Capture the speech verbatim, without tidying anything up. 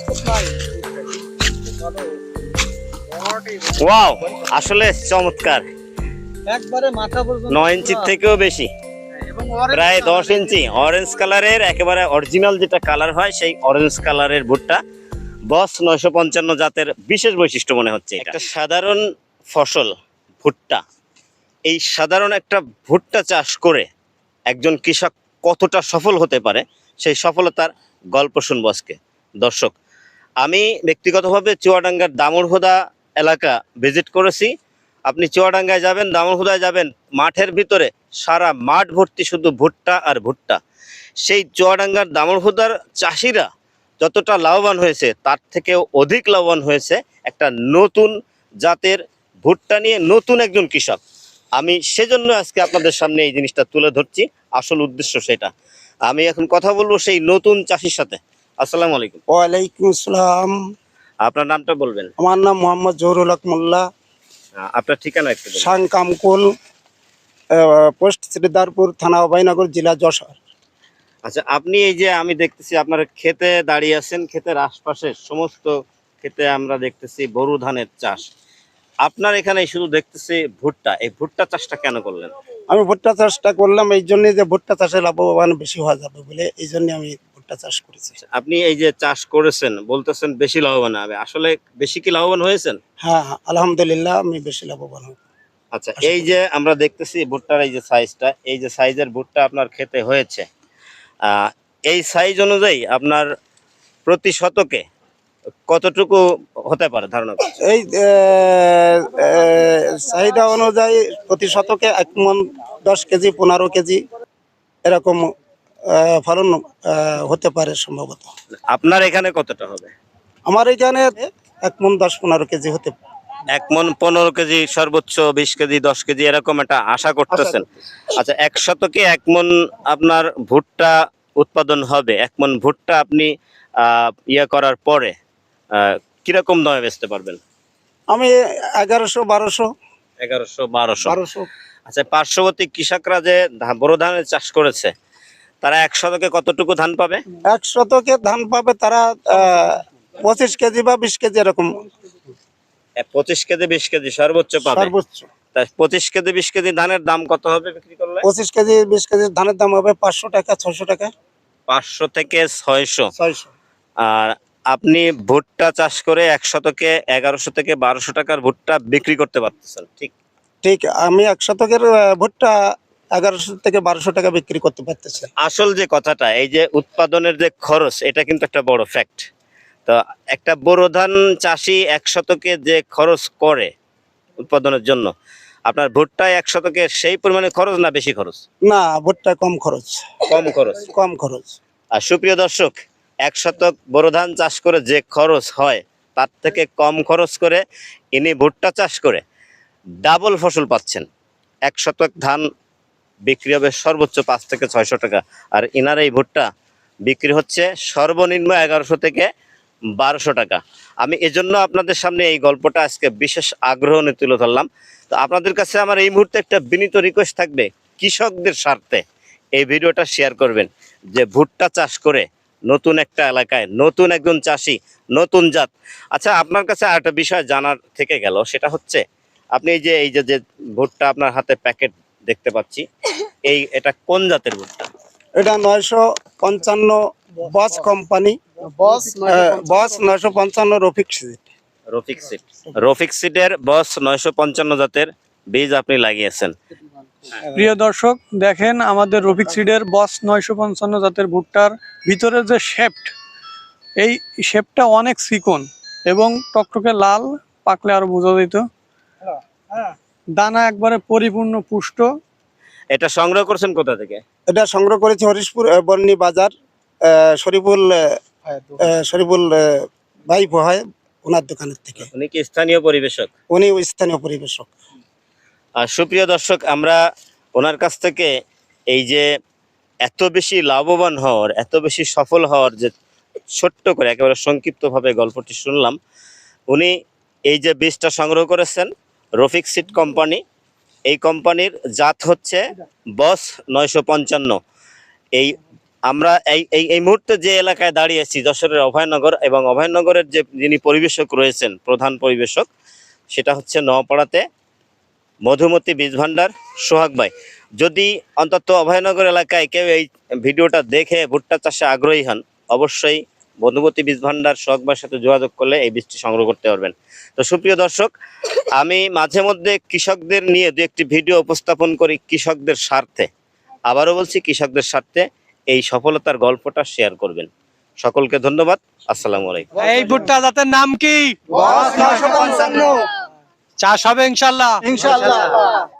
Wow, আসলে চমৎকার। একবারে মাথা পর্যন্ত নয় ইঞ্চির থেকেও বেশি, এবং প্রায় দশ ইঞ্চি অরেঞ্জ কালারের, একেবারে অরিজিনাল যেটা কালার হয় সেই অরেঞ্জ কালারের ভুট্টা। বস নয়শো পঞ্চান্ন জাতের বিশেষ বৈশিষ্ট্য মনে হচ্ছে এটা। একটা সাধারণ ফসল ভুট্টা, এই সাধারণ একটা ভুট্টা চাষ করে একজন কৃষক কতটা সফল হতে পারে সেই সফলতার গল্প শুনবো আজকে। দর্শক, আমি ব্যক্তিগতভাবে চুয়াডাঙ্গার দামুড়হুদা এলাকা ভিজিট করেছি। আপনি চুয়াডাঙ্গায় যাবেন, দামুড়হুদায় যাবেন, মাঠের ভিতরে সারা মাঠ ভর্তি শুধু ভুট্টা আর ভুট্টা। সেই চুয়াডাঙ্গার দামুড়হুদার চাষিরা যতটা লাভবান হয়েছে তার থেকেও অধিক লাভবান হয়েছে একটা নতুন জাতের ভুট্টা নিয়ে নতুন একজন কৃষক। আমি সেজন্য আজকে আপনাদের সামনে এই জিনিসটা তুলে ধরছি, আসল উদ্দেশ্য সেটা। আমি এখন কথা বলবো সেই নতুন চাষির সাথে। আসসালামু আলাইকুম। ওয়ালাইকুম আসসালাম। আপনার নামটা বলবেন? আমার নাম মোহাম্মদ জহুরুল হক মোল্লা, আহ, আপনার ঠিকানা একটু বলুন। সাংকামকুল, পোস্ট শ্রীদারপুর, থানা অভয়নগর, জেলা যশোর। আচ্ছা, আপনি এই যে আমি দেখতেছি আপনার ক্ষেতে দাঁড়িয়ে আছেন, ক্ষেতের আশপাশে সমস্ত ক্ষেতে আমরা দেখতেছি বোরো ধানের চাষ। আপনার এখানে শুধু দেখতেছি ভুট্টা, এই ভুট্টা চাষটা কেন করলেন? আমি ভুট্টা চাষটা করলাম এই জন্য যে ভুট্টা চাষে লাভবান বেশি হওয়া যাবে বলে, এই জন্য আমি ভুট্টা চাষ করেছি। আপনি এই যে চাষ করেছেন বলতেছেন বেশি লাভবান হবে, আসলে বেশি কি লাভবান হয়েছেন? হ্যাঁ, আলহামদুলিল্লাহ আমি বেশি লাভবান হব। আচ্ছা, এই যে আমরা দেখতেছি ভুট্টার এই যে সাইজটা, এই যে সাইজের ভুট্টা আপনার খেতে হয়েছে, আহ, এই সাইজ অনুযায়ী আপনার প্রতি শতকে কতটুকু হতে পারে ধারণা করছেন? এই চাহিদা অনুযায়ী প্রতি শতকে এক মন দশ কেজি পনেরো কেজি এরকম আহ, ফলন আহ, হতে পারে সম্ভবত। আপনার এখানে কতটা হবে? আমার এখানে এক মন দশ পনেরো কেজি হতে পারে। এক মন পনেরো কেজি, সর্বোচ্চ বিশ কেজি, দশ কেজি এরকম একটা আশা করতেছেন? আচ্ছা, এক শতকে এক মন আপনার ভুট্টা উৎপাদন হবে। এক মন ভুট্টা আপনি আহ ইয়ে করার পরে আহ কিরকম দামে বেচতে পারবেন? আমি এগারোশো বারোশো এগারোশো বারোশো। বারোশো আচ্ছা, পার্শ্ববর্তী কৃষকরা যে ধা- বোরো ধানের চাষ করেছে তারা এক শতকে কতটুকু ধান পাবে? এক শতকে ধান পাবে তারা আহ, পঁচিশ কেজি বা বিশ কেজি এরকম এ, পঁচিশ কেজি বিশ কেজি সর্বোচ্চ পাবে। সর্বোচ্চ। তা পঁচিশ কেজি বিশ কেজি ধানের দাম কত হবে বিক্রি করলে? পঁচিশ কেজি বিশ কেজি ধানের দাম হবে পাঁচশো টাকা ছয়শো টাকা পাঁচশো থেকে ছয়শো। ছয়শো। আর আপনি ভুট্টা চাষ করে এক শতকে এগারোশো থেকে বারোশো টাকার ভুট্টা বিক্রি করতে পারতেছেন, ঠিক? ঠিক, আমি এক শতকের আহ, ভুট্টা এগারোশো থেকে বারোশো টাকা বিক্রি করতে পারতেছি। আসল যে কথাটা, এই যে উৎপাদনের যে খরচ, এটা কিন্তু একটা বড় ফ্যাক্ট। তো একটা বোরো ধান চাষি এক শতকে যে খরচ করে উৎপাদনের জন্য, আপনার ভুট্টায় এক শতকে সেই পরিমাণে খরচ না বেশি খরচ? না, ভুট্টা কম খরচ। কম খরচ। কম খরচ। আর সুপ্রিয় দর্শক, এক শতক বোরো ধান চাষ করে যে খরচ হয় তার থেকে কম খরচ করে ইনি ভুট্টা চাষ করে ডাবল ফসল পাচ্ছেন। এক শতক ধান বিক্রি হবে সর্বোচ্চ পাঁচ থেকে ছয়শো টাকা, আর ইনার এই ভুট্টা বিক্রি হচ্ছে সর্বনিম্ন এগারোশো থেকে বারোশো টাকা। আমি এজন্য আপনাদের সামনে এই গল্পটা আজকে বিশেষ আগ্রহ নিয়ে তুলে ধরলাম। তো আপনাদের কাছে আমার এই মুহূর্তে একটা বিনীত রিকোয়েস্ট থাকবে, কৃষকদের স্বার্থে এই ভিডিওটা শেয়ার করবেন, যে ভুট্টা চাষ করে নতুন একটা এলাকায় নতুন একজন চাষি, নতুন জাত। আচ্ছা, আপনার কাছে আর একটা বিষয় জানার থেকে গেল, সেটা হচ্ছে আপনি এই যে এই যে যে ভুট্টা আপনার হাতে প্যাকেট দেখতে পাচ্ছি, এই এটা কোন জাতের ভুট্টা? এটা নয়শো পঞ্চান্ন বস কোম্পানি, বস বস নয়শো পঞ্চান্ন রফিক সিড। রফিক সিড। রফিক সিডের বস নয়শো পঞ্চান্ন জাতের বীজ আপনি লাগিয়েছেন। প্রিয় দর্শক, দেখেন আমাদের রফিক সিডের বস নয়শো পঞ্চান্ন জাতের ভুট্টার ভিতরে যে শেপট, এই শেপটা অনেক চিকন এবং টকটকে লাল, পাকলে আরো বোঝা যেত। দানা একবারে পরিপূর্ণ পুষ্ট। এটা সংগ্রহ করছেন কোথা থেকে? এটা সংগ্রহ করেছি হরিশপুর আহ, বর্ণি বাজার, আহ, শরীফুল আহ, শরীফুল আহ, ভাই হয় ওনার দোকানের থেকে। উনি কি স্থানীয় পরিবেশক? উনি স্থানীয় পরিবেশক। আর সুপ্রিয় দর্শক, আমরা ওনার কাছ থেকে এই যে এত বেশি লাভবান হওয়ার, এত বেশি সফল হওয়ার যে ছোট্ট করে একেবারে সংক্ষিপ্তভাবে গল্পটি শুনলাম। উনি এই যে বীজটা সংগ্রহ করেছেন রফিক সিড কোম্পানি, এই কোম্পানির জাত হচ্ছে বস নয়শো পঞ্চান্ন। এই আমরা এই এই এই মুহূর্তে যে এলাকায় দাঁড়িয়ে আছি যশোরের অভয়নগর, এবং অভয়নগরের যে যিনি পরিবেশক রয়েছেন, প্রধান পরিবেশক, সেটা হচ্ছে নওপাড়াতে মধুমতি বীজ ভান্ডার সোহাগ ভাই। যদি অন্তত অভয়নগর এলাকায় কেউ এই ভিডিওটা দেখে ভুট্টা চাষে আগ্রহী হন, অবশ্যই মধুমতি বীজ ভান্ডার সোহাগ ভাইয়ের সাথে যোগাযোগ করলে এই বীজটি সংগ্রহ করতে পারবেন। তো সুপ্রিয় দর্শক, আমি মাঝে মধ্যে কৃষকদের নিয়ে দু একটি ভিডিও উপস্থাপন করি কৃষকদের স্বার্থে। আবারও বলছি, কৃষকদের স্বার্থে এই সফলতার গল্পটা শেয়ার করবেন। সকলকে ধন্যবাদ। আসসালামু আলাইকুম। এই ভুট্টা জাতের নাম কি? চাষ হবে ইনশাল্লাহ। ইনশাআল্লাহ।